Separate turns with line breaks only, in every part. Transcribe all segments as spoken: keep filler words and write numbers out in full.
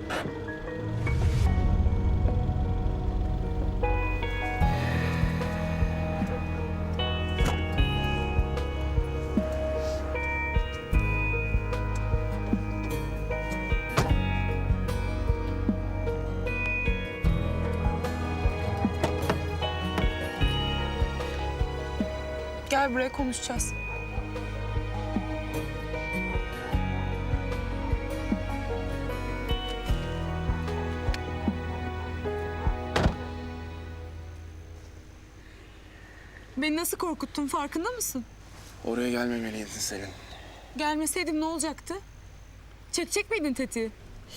Gel buraya konuşacağız. Beni nasıl korkuttun farkında mısın?
Oraya gelmemeliydin Selin.
Gelmeseydim ne olacaktı? Çekecek miydin tetiği?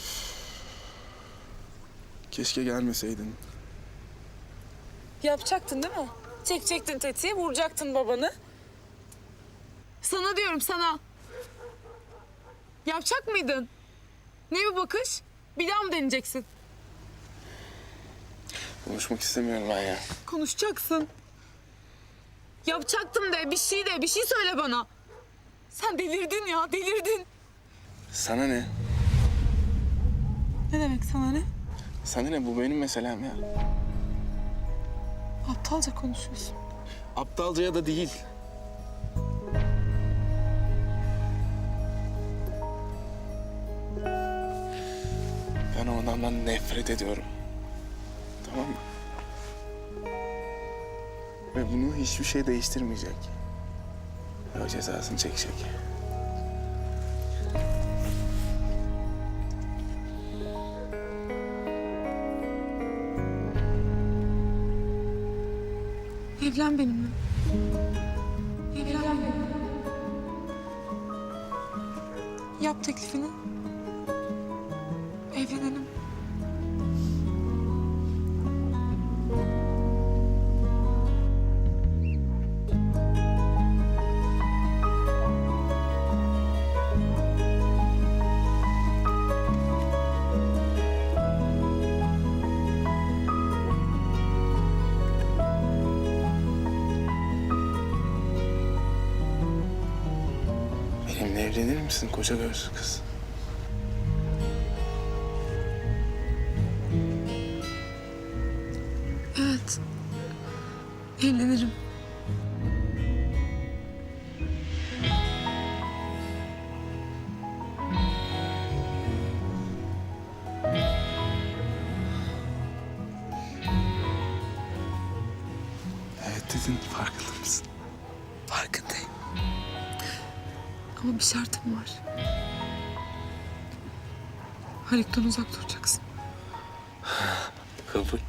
Keşke gelmeseydin.
Yapacaktın değil mi? Çekecektin tetiği, vuracaktın babanı. Sana diyorum sana. Yapacak mıydın? Ne bu bakış? Bir daha mı deneyeceksin?
Konuşmak istemiyorum ben ya.
Konuşacaksın. Yapacaktım de, bir şey de, bir şey söyle bana. Sen delirdin ya, delirdin.
Sana ne?
Ne demek sana ne?
Sana ne? Bu benim meselem ya.
Aptalca konuşuyorsun.
Aptalca ya da değil. Ben o adamdan nefret ediyorum. Tamam mı? Ve bunu hiçbir şey değiştirmeyecek. O cezasını çekecek.
Evlen benimle. Evlen benimle. Yap teklifini. Evlenelim.
Benimle evlenir misin koca gözlü kız?
Evet. Evlenirim.
Evet dedin, farkında mısın?
Farkındayım. Ama bir şartım var. Haluk'tan uzak duracaksın.
Kabul.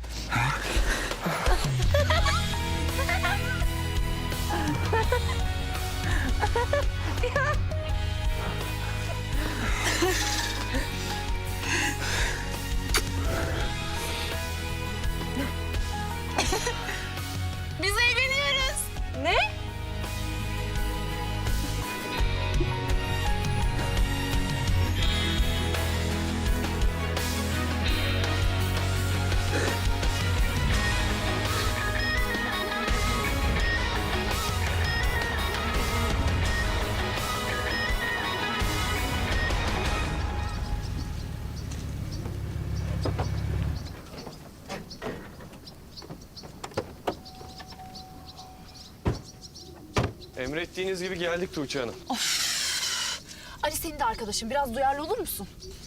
Biz evleniyoruz. Ne?
Emrettiğiniz gibi geldik Tuğçe Hanım.
Ali senin de arkadaşın. Biraz duyarlı olur musun?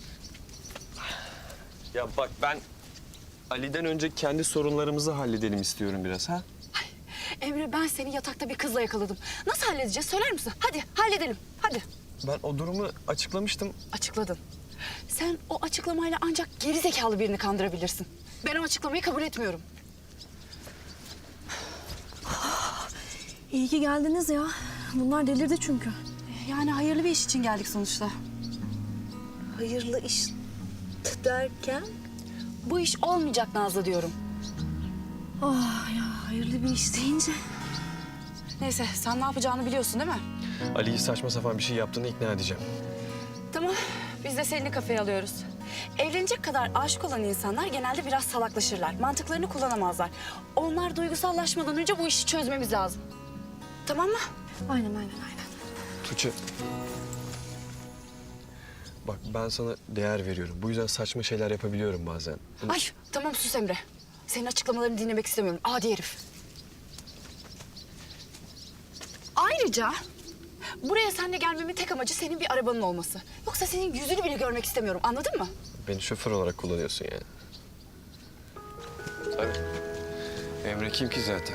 Ya bak ben Ali'den önce kendi sorunlarımızı halledelim istiyorum biraz ha.
Emre ben seni yatakta bir kızla yakaladım. Nasıl halledeceğiz söyler misin? Hadi halledelim. Hadi.
Ben o durumu açıklamıştım.
Açıkladın. Sen o açıklamayla ancak geri zekalı birini kandırabilirsin. Ben o açıklamayı kabul etmiyorum.
İyi ki geldiniz ya. Bunlar delirdi çünkü.
Yani hayırlı bir iş için geldik sonuçta.
Hayırlı iş derken?
Bu iş olmayacak Nazlı diyorum.
Oh ya hayırlı bir iş deyince.
Neyse sen ne yapacağını biliyorsun değil mi?
Ali'yi saçma sapan bir şey yaptığını ikna edeceğim.
Tamam. Biz de Selin'i kafeye alıyoruz. Evlenecek kadar aşık olan insanlar genelde biraz salaklaşırlar. Mantıklarını kullanamazlar. Onlar duygusallaşmadan önce bu işi çözmemiz lazım. Tamam mı?
Aynen aynen aynen.
Tuğçe. Bak ben sana değer veriyorum. Bu yüzden saçma şeyler yapabiliyorum bazen.
Ay tamam sus Emre. Senin açıklamalarını dinlemek istemiyorum. Adi herif. Ayrıca buraya seninle gelmemin tek amacı senin bir arabanın olması. Yoksa senin yüzünü bile görmek istemiyorum. Anladın mı?
Beni şoför olarak kullanıyorsun yani. Tabii. Emre kim ki zaten?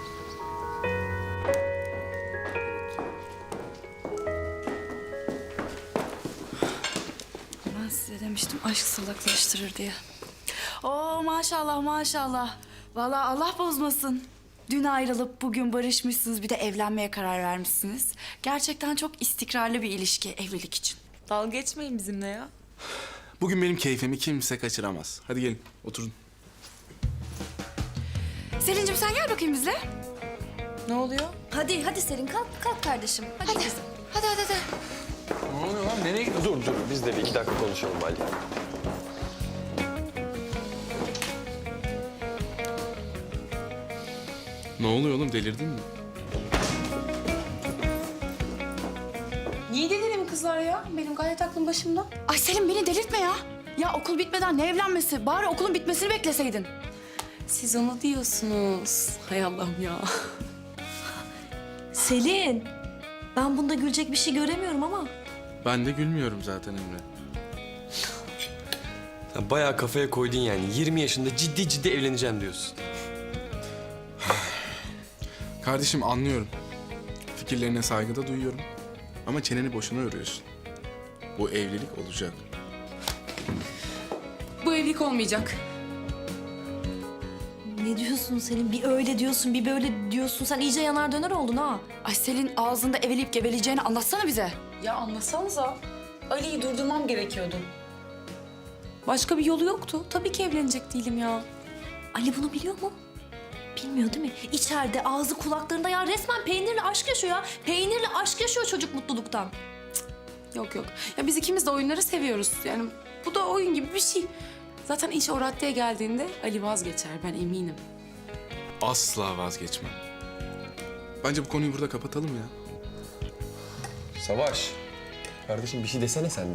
Ben size demiştim aşk salaklaştırır diye. Oo maşallah maşallah. Vallahi Allah bozmasın. Dün ayrılıp bugün barışmışsınız, bir de evlenmeye karar vermişsiniz. Gerçekten çok istikrarlı bir ilişki evlilik için.
Dalga geçmeyin bizimle ya.
Bugün benim keyfimi kimse kaçıramaz. Hadi gelin oturun.
Selin'cim sen gel bakayım bizle.
Ne oluyor?
Hadi hadi Selin kalk kalk kardeşim. Hadi, kızım.
Hadi hadi hadi.
Ne oluyor lan? Nereye gidiyorsun?
Dur dur biz de bir iki dakika konuşalım Ali.
Ne oluyor oğlum? Delirdin mi?
Niye delireyim kızlar ya? Benim gayet aklım başımda.
Ay Selin beni delirtme ya. Ya okul bitmeden ne evlenmesi? Bari okulun bitmesini bekleseydin.
Siz onu diyorsunuz. Hay Allah'ım ya.
Selin. Ben bunda gülecek bir şey göremiyorum ama.
Ben de gülmüyorum zaten Emre.
Sen bayağı kafaya koydun yani. yirmi yaşında ciddi ciddi evleneceğim diyorsun.
Kardeşim anlıyorum. Fikirlerine saygı da duyuyorum. Ama çeneni boşuna örüyorsun. Bu evlilik olacak.
Bu evlilik olmayacak.
Ne diyorsun Selin? Bir öyle diyorsun, bir böyle diyorsun. Sen iyice yanar döner oldun ha.
Ay Selin ağzında eveleyip geveleyeceğini anlatsana bize.
Ya anlasanıza. Ali'yi durdurmam gerekiyordu. Başka bir yolu yoktu. Tabii ki evlenecek değilim ya.
Ali bunu biliyor mu? Bilmiyor değil mi? İçeride ağzı kulaklarında ya resmen peynirle aşk yaşıyor ya. Peynirle aşk yaşıyor çocuk mutluluktan.
Yok yok. Ya biz ikimiz de oyunları seviyoruz. Yani bu da oyun gibi bir şey. Zaten iş o raddeye geldiğinde Ali vazgeçer, ben eminim.
Asla vazgeçmem. Bence bu konuyu burada kapatalım ya.
Savaş. Kardeşim bir şey desene sen de.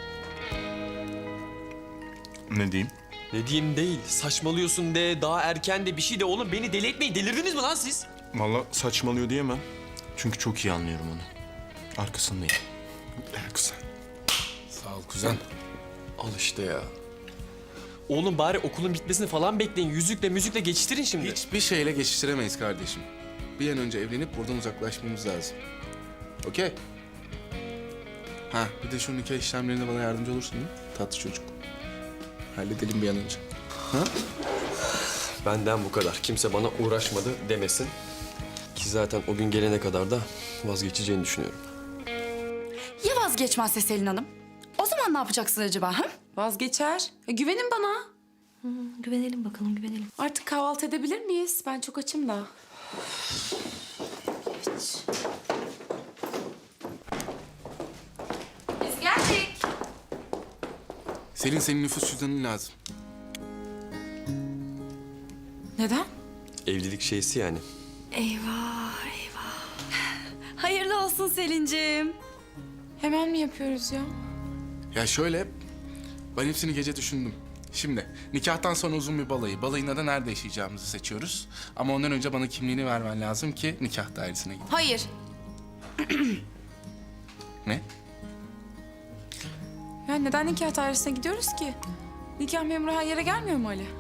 Ne diyeyim?
Ne diyeyim değil. Saçmalıyorsun de, daha erken de bir şey de. Oğlum beni deli etmeyin. Delirdiniz mi lan siz?
Vallahi saçmalıyor diyemem. Çünkü çok iyi anlıyorum onu. Arkasındayım.
Kuzen. Sağ ol kuzen.
Al işte ya. Oğlum bari okulun bitmesini falan bekleyin. Yüzükle müzikle geçiştirin şimdi.
Hiçbir şeyle geçiştiremeyiz kardeşim. Bir an önce evlenip buradan uzaklaşmamız lazım. Okey? Ha bir de şu nikah işlemlerine bana yardımcı olursun değil mi? Tatlı çocuk. Halledelim bir an önce.
Benden bu kadar. Kimse bana uğraşmadı demesin. Ki zaten o gün gelene kadar da vazgeçeceğini düşünüyorum.
Ya vazgeçmezse Selin Hanım? O zaman ne yapacaksın acaba? Ha?
Vazgeçer. Ya güvenin bana.
Güvenelim bakalım, güvenelim.
Artık kahvaltı edebilir miyiz? Ben çok açım da.
Biz geldik.
Selin senin nüfus cüzdanın lazım.
Neden?
Evlilik şeysi yani.
Eyvah eyvah. Hayırlı olsun Selin'cim.
Hemen mi yapıyoruz ya?
Ya şöyle, ben hepsini gece düşündüm. Şimdi nikahtan sonra uzun bir balayı. Balayında da nerede yaşayacağımızı seçiyoruz. Ama ondan önce bana kimliğini vermen lazım ki nikah dairesine gideyim.
Hayır.
Ne?
Ya neden nikah dairesine gidiyoruz ki? Nikah memuru her yere gelmiyor mu Ali?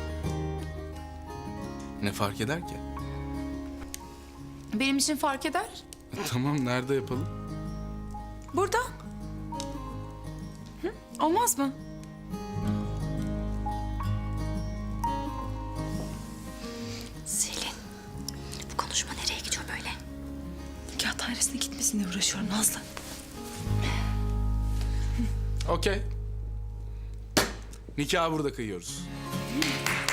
Ne fark eder ki?
Benim için fark eder.
Tamam, nerede yapalım?
Burada. Hı? Olmaz mı?
Selin, bu konuşma nereye gidiyor böyle?
Nikah dairesine gitmesine uğraşıyorum Nazlı.
Okey. Nikahı burada kıyıyoruz.